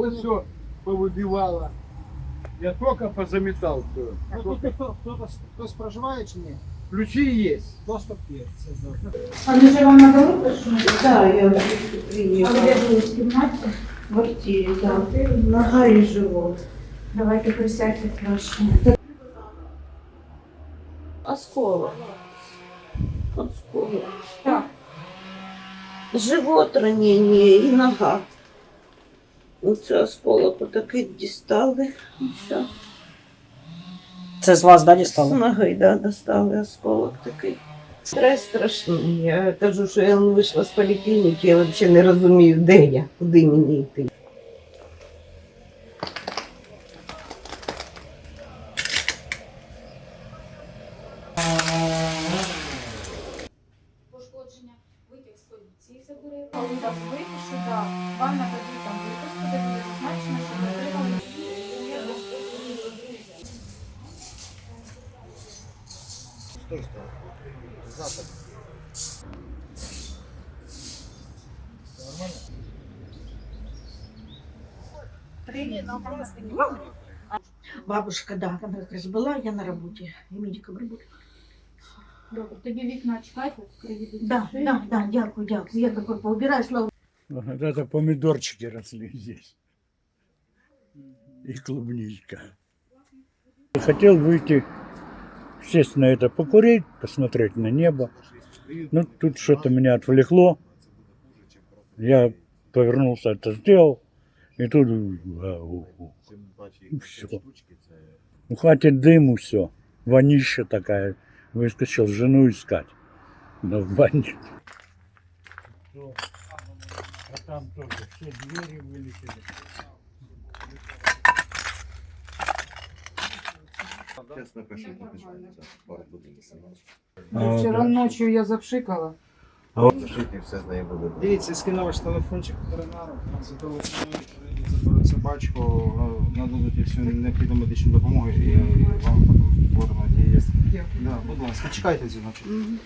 это все повыбивало. Я только позаметал все. А тут хтось проживає чи ні? Ключи есть. Доступ є. Це добре. А не же вам на дорогу пришли? Да, я А приехала. где живут? В кімнаті? В квартире, да. Нога и живот. Давайте присядьте краще. Осколок. Осколок. Так. Живот ранение и нога. Оце осколок отакий дістали. І все. Це з вас, да, З дістали? ноги, да, достали осколок такий. Стрес страшний. Я кажу, що я вийшла з поліклініки, я взагалі не розумію, де я, куди мені йти. Пошкодження, витяг з поліції забере. Коли вас випишу, да, вам нададуть там випуску, де буде зазначено, що ви отримали. Стой, стой. Запад. Бабушка, да, она как раз была, я на работе, я медиком работаю. Добре, тоді вікна чекайте, приїдуть. Да, да, да, дякую, дякую. Я такой поубираю, слава. Вот это помидорчики росли здесь. И клубничка. Хотел выйти, сесть на это, покурить, посмотреть на небо. Ну, тут что-то меня отвлекло. Я повернулся, это сделал. И тут все. Ну, хватит дыму, все. Вонища такая. Выскочил жену искать. Но в бане. А там тоже все двери вылетели. Сейчас напишу, побежали. Пару будинків. Вчора ночью я запшикала. Зашити все з нею буде. Дивіться, скину ваш телефончик ветеринару, зателефонують, заберуть собачку, нададуть всю необхідну медичну допомогу і вам потім форма є. Дякую. Да, будь ласка, чекайте дзвіночок.